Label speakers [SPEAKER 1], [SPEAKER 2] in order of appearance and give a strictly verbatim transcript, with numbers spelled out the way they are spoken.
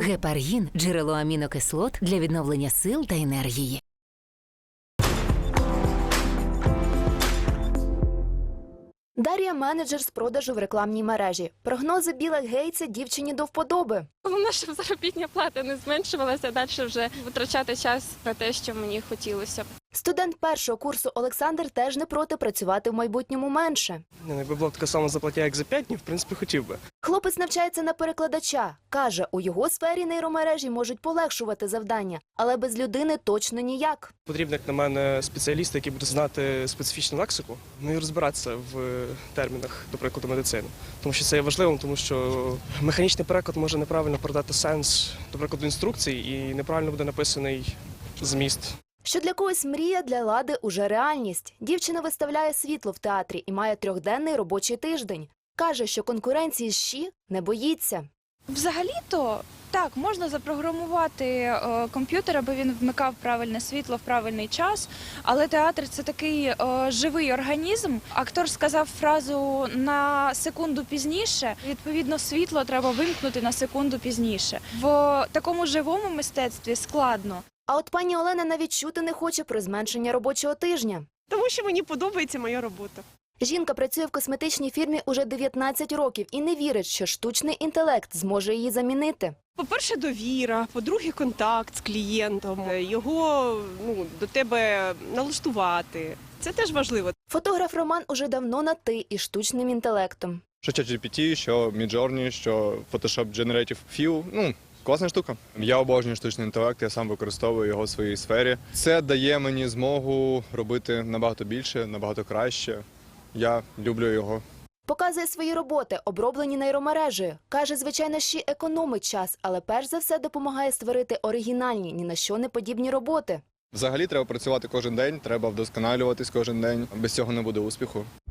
[SPEAKER 1] Гепаргін – джерело амінокислот для відновлення сил та енергії.
[SPEAKER 2] Дар'я – менеджер з продажу в рекламній мережі. Прогнози Біла Гейтса дівчині до вподоби.
[SPEAKER 3] Головне, щоб заробітна плата не зменшувалася, далі вже витрачати час на те, що мені хотілося б.
[SPEAKER 2] Студент першого курсу Олександр теж не проти працювати в майбутньому менше.
[SPEAKER 4] Не, якби була така сама зарплатня, як за п'ять днів, в принципі, хотів би.
[SPEAKER 2] Хлопець навчається на перекладача. Каже, у його сфері нейромережі можуть полегшувати завдання, але без людини точно ніяк.
[SPEAKER 4] Потрібен, як на мене, спеціаліст, який буде знати специфічну лексику, ну і розбиратися в термінах, до прикладу, медицини. Тому що це є важливим, тому що механічний переклад може неправильно передати сенс, до прикладу, інструкцій, і неправильно буде написаний зміст.
[SPEAKER 2] Що для когось мрія, для Лади уже реальність. Дівчина виставляє світло в театрі і має трьохденний робочий тиждень. Каже, що конкуренції з ЩІ не боїться.
[SPEAKER 5] Взагалі-то, так, можна запрограмувати е, комп'ютер, аби він вмикав правильне світло в правильний час, але театр – це такий е, живий організм. Актор сказав фразу «на секунду пізніше», відповідно, світло треба вимкнути на секунду пізніше. В такому живому мистецтві складно.
[SPEAKER 2] А от пані Олена навіть чути не хоче про зменшення робочого тижня.
[SPEAKER 6] Тому що мені подобається моя робота.
[SPEAKER 2] Жінка працює в косметичній фірмі уже дев'ятнадцять років і не вірить, що штучний інтелект зможе її замінити.
[SPEAKER 6] По-перше, довіра, по-друге, контакт з клієнтом, його ну, до тебе налаштувати. Це теж важливо.
[SPEAKER 2] Фотограф Роман уже давно на «ти» із штучним інтелектом.
[SPEAKER 7] Що чат джі пі ті, що Midjourney, що Photoshop Generative Fill, ну, класна штука. Я обожнюю штучний інтелект, я сам використовую його в своїй сфері. Це дає мені змогу робити набагато більше, набагато краще. Я люблю його.
[SPEAKER 2] Показує свої роботи, оброблені нейромережею. Каже, звичайно, ще економить час, але перш за все допомагає створити оригінальні, ні на що не подібні роботи.
[SPEAKER 7] Взагалі треба працювати кожен день, треба вдосконалюватись кожен день. Без цього не буде успіху.